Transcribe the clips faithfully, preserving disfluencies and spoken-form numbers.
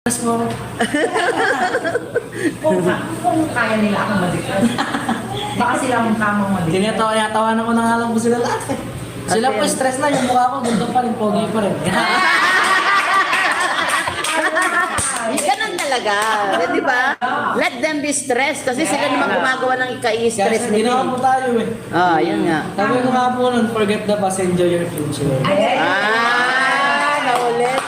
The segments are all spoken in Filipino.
Mas mo. Kung, kung kaya nila akong mag-depress. Baka sila ang tamang mag-depress. Tinatawa, tinatawanan ko na nga lang po sila lahat eh. Sila po stress na, yung mukha ko, gundo pa rin, pogi pa rin. Ganun talaga, di ba? Let them be stressed kasi sila naman gumagawa ng ikai-stress Kasi ginawa nila. po tayo eh. Ah, yun nga. Sabi ko nga po nun, forget the past, enjoy your future. Ah, naulit.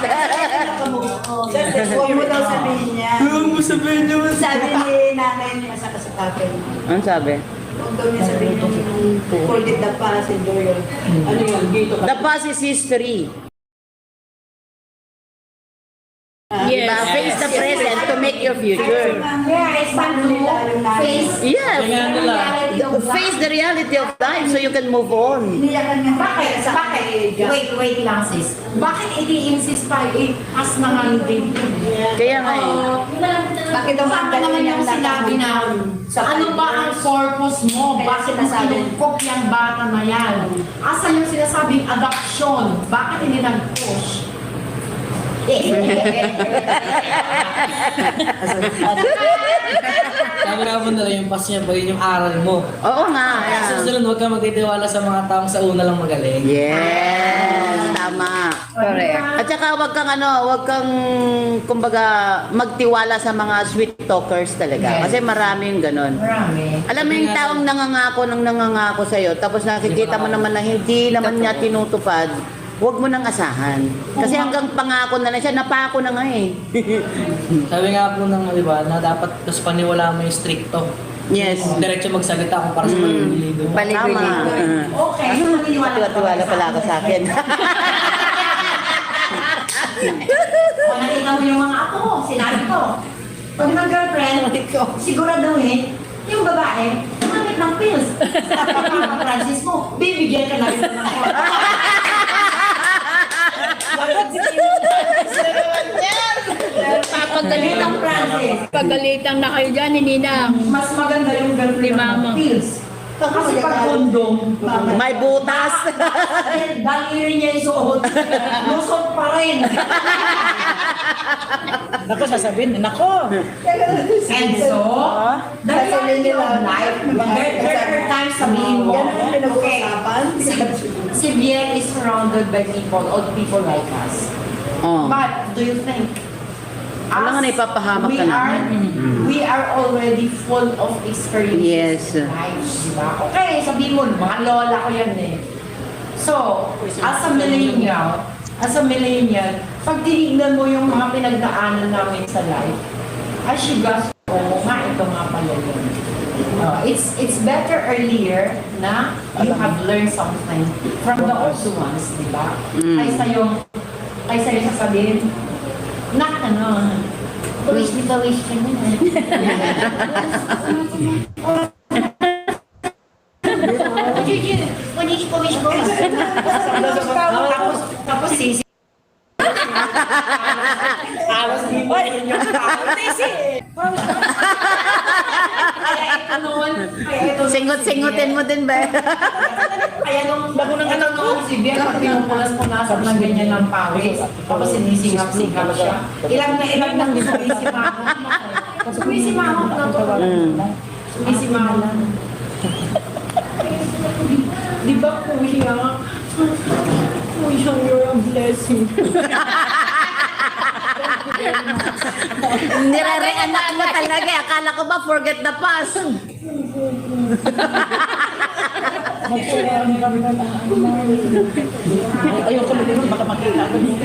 Huwag mo daw sabihin niya. Huwag mo sabihin nyo. Sabi ni nanay niya sa kasakapin. Ano sabi? Huwag daw niya sabihin yung forget the past, enjoy your... Ano yun? Dito ka. The past is history. Yes. Diba? Face the present to make your future. Yeah, it's paano nila yung nanay. Face, Yes. Kaya nila. Face the reality of life so you can move on. Iniyakan niya. Bakit? sa Bakit? Wait, wait lang sis. Bakit i-insist pa eh? As na nga yung baby. Kaya nga eh. Bakit daw Bakit ang naman yung sinabi na ano ba ang purpose mo? Kaya Bakit mo sinasabi. kinukok yung bata na yan? Asa yung sinasabing adoption? Bakit hindi nag-push? Sabi nga po nila, yung past niya, bagay yung aral mo. Oo nga. Sa Yeah. susunod, huwag ka magtitiwala sa mga taong sa una lang magaling. Yes, tama. correct. At saka wag kang ano, wag kang kumbaga magtiwala sa mga sweet talkers talaga. Yes. Kasi maraming ganun. Marami. Alam mo yung taong nangangako ng nangangako sa'yo, tapos nakikita mo naman na hindi naman niya tinutupad, huwag mo nang asahan. Kasi hanggang pangako na lang siya, napako na nga eh. Sabi nga po ng, di ba, na dapat tapos paniwala mo yung stricto. Yes. Diretso magsalita kung para sa paliligo mo. Tama. Okay, maniniwala ka Tiwa-tiwala pala ako sa akin. Kung nakita mo yung mga ako, sinabi ko, pag mag-girlfriend, siguraduhin, yung babae, gumamit ng pills. Sa pagkakang Francis mo, bibigyan ka na rin ng Papagalitan Ng Francis. Pagalitan na kayo dyan, ni Ninang. Mas maganda yung girlfriend Ni Mama. ng pills. Kasi pag kondom, May butas. dahil daliri niya isuot, lusot pa rin. Nako, sasabihin, nako. And so, the reality of life, there, there are times sabihin mo, Yan ang okay, pinag-uusapan. si Bien is surrounded by people, old people like us. Oh. But do you think Wala nga na ipapahamak we ka are, namin. we are already full of experiences Yes. in life, di ba? Okay, sabihin mo, mga lola ko yan eh. So, as a millennial, as a millennial, pag tinignan mo yung mga pinagdaanan namin sa life, as you guys, oo nga, ito nga pala yun. Uh, it's it's better earlier na you have learned something from the old ones, di ba? Mm. Kaysa yung, kaysa yung sasabihin, nak, ano, wish me, wish ka na. Wish ko, wish ko. Tapos, tapos sisi. Awas di mo rin yung tao. Sisi. Kaya ito noon, kaya ito noon Singot-singutin mo din ba? Kaya nung bago nang ito noon si Bian, pag pinupulas-punasan ng ganyan ng pawis, tapos sinisingap-singap siya. Ilang na ilang nang sumisimahon. Sumisimahon na to. Sumisimahon. Di ba kuya? Kuya, you're a blessing. Nire-reenact mo talaga eh. Akala ko ba forget the past? Ayoko na din, baka makita ko dito.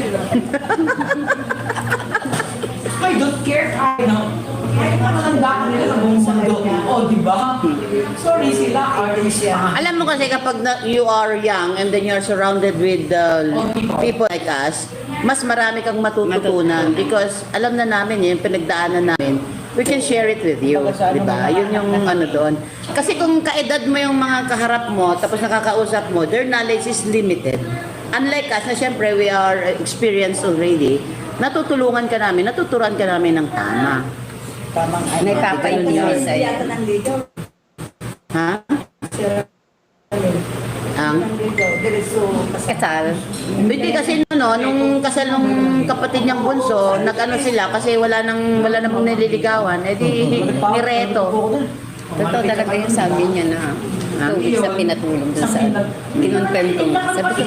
I don't care, I know. Kahit matanda ka nila sa buong mundo. Oh, di ba? Sorry sila, artist yan. Alam mo kasi kapag na, you are young and then you're surrounded with uh, people like us, mas marami kang matututunan because alam na namin yun, pinagdaanan namin. We can share it with you, di ba? Yun yung ano doon. Kasi kung kaedad mo yung mga kaharap mo, tapos nakakausap mo, their knowledge is limited. Unlike us, na syempre we are experienced already, natutulungan ka namin, natuturan ka namin ng tama. Tamang ano. May papaintinis Hindi sa'yo. yata nandito. Ha? Sir, Ang? nandito. diretso Kasal. Hindi kasi no, nung kasal nung kapatid niyang bunso, nag-ano sila kasi wala nang wala namang nililigawan, edi nireto. Totoo talaga yung sabi niya na two weeks na pinatulong dun sa kinonfirm ko. Sabi ko,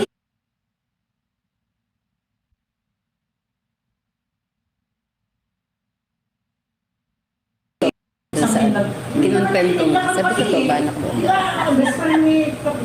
dun sa kinonfirm ko. Sabi ko, to ba anak ko? Best friend ni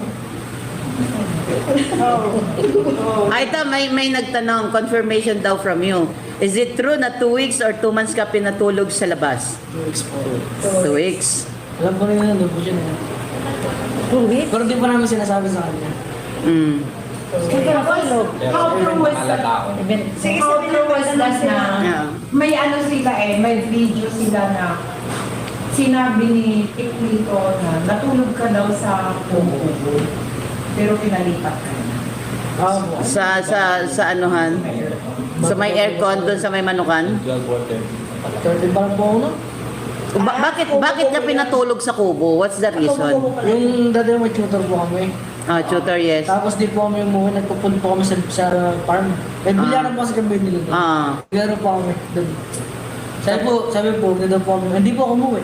Ay, ito, may, may nagtanong, confirmation daw from you. Is it true na two weeks or two months ka pinatulog sa labas? Two weeks po. Two weeks. Alam ko rin yun, doon po siya na. Two weeks? Pero di pa namin sinasabi sa kanya. Mm. How true was that? Sige, How sabi true na was that na Yeah. may ano sila eh, may video sila na sinabi ni Tiklito na natulog ka daw sa kubo pero pinalipat ka na. Ah, po. Sa, sa, sa anuhan? Sa may aircon, doon sa may manukan? thirty pa lang po ako na. Ba- bakit bakit ka pinatulog sa kubo? What's the reason? Yung dati may tutor po kami. Ah, tutor, yes. Tapos di po kami umuwi, nagpupunta po kami sa, sa farm. Eh, bilyaran po kasi kami nila doon. Ah. Bilyaran po kami doon. Sabi po, sabi po, ganda po kami. Hindi po ako umuwi.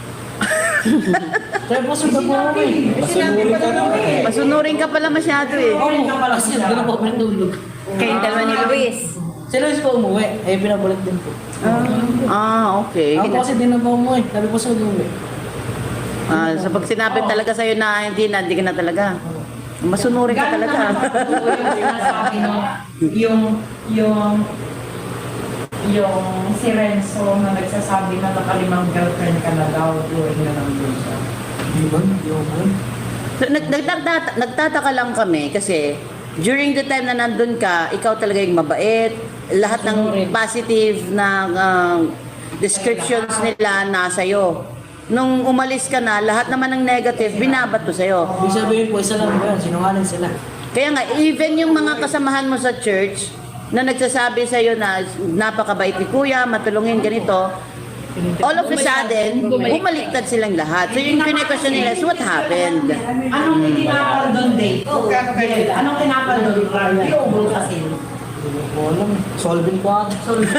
Sabi po, sundan po kami. Sinabi pa na eh. Masunurin ka pala masyado eh. Oo, kasi doon po kami natulog. Kayong dalawa ni Luis. Si Luis po umuwi, eh pinabalik din po. Ah, okay. Ako kasi din na po umuwi, sabi po sa umuwi. Ah, so pag sinabi talaga sa'yo na hindi na, hindi ka na talaga. Masunurin ka Gano'n talaga. naman katotoo yung sinasabi no, yung, yung, yung si Renzo na nagsasabi na nakalimang girlfriend ka na daw during na nandun siya. Di ba? Di ako man. So, nag, nagtata, nagtataka lang kami kasi during the time na nandun ka, ikaw talaga yung mabait. Lahat ng positive na ah, descriptions nila nasa iyo. Nung umalis ka na, lahat naman ng negative, binabato sa'yo. Ibig sabihin po, isa lang po yan, sinungaling sila. Kaya nga, even yung mga kasamahan mo sa church na nagsasabi sa'yo na napakabait ni kuya, matulungin, ganito, all of a sudden, bumaliktad silang lahat. So yung kine-question nila is what happened? Anong tinapal doon, Dave? Dave, Anong tinapal doon? Iubol kasi. Hindi ko alam. Solving po ata.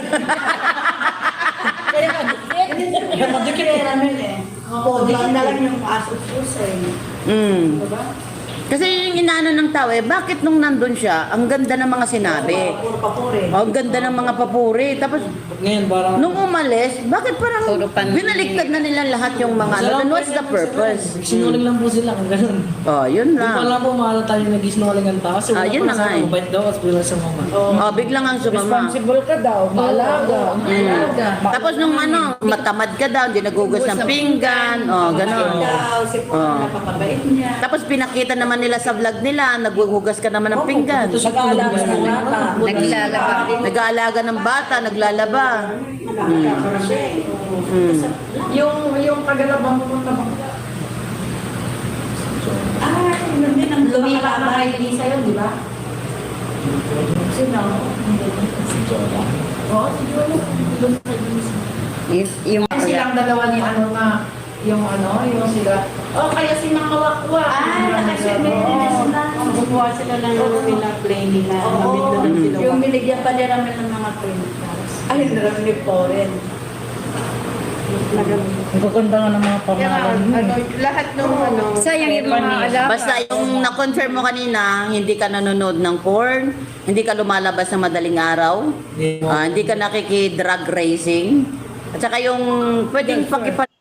Kaya madikit namin eh. Oo, dikit na lang yung asos-sus eh. Mm. Kasi yung inaano ng tao eh, bakit nung nandun siya, ang ganda ng mga sinabi. Puro papuri. Oh, ang ganda ng mga papuri. Tapos, Ngayon, parang... nung umalis, bakit parang Puro panliliit. binaliktad na nila lahat yung mga ano? Then what's the purpose? Sinungaling lang po sila, kung ganun. Oh, yun Hindi pa lang. lang po mahalata yung nag-sinungaling ang tao. Kasi Ah, wala yun po na nga nasabi, eh. mabait daw at bilang sa mama. Oh, biglang ang sumama. Responsible ka daw, maalaga. Alaga. Tapos nung ano, matamad ka daw, hindi nagugas ng pinggan, oh, gano'n. Daw, si Paul, Oo. napakabait niya. Tapos pinakita naman nila sa vlog nila, naghuhugas ka naman ng pinggan. Nag-aalaga ng bata. Naglalaba. Nag-aalaga ng bata, naglalaba. Nakakasara siya eh. Mm. Yung, yung tagalabang pupunta mo. Ah, yun din ang Lumika na kay Lisa yun, di ba? Sino? Oo, si Jola. Yung, yung Ay, silang dalawa ni ano na, yung ano, yung sila. Oh, kaya si Makawakwa. Ah, nakaswimmer din na sila. Gumawa sila ng nila play nila. Gamit na lang sila. Yung binigyan pa nila namin ng mga printas. Ay, naram ni Poren. Ang gaganda nga ng mga pangalan. ano, lahat ng ano. sayang yung mga alaga. Basta yung na-confirm mo kanina, hindi ka nanonood ng porn, hindi ka lumalabas ng madaling araw, Hindi mo. ah, hindi ka nakiki-drug racing, at saka yung pwedeng pakipa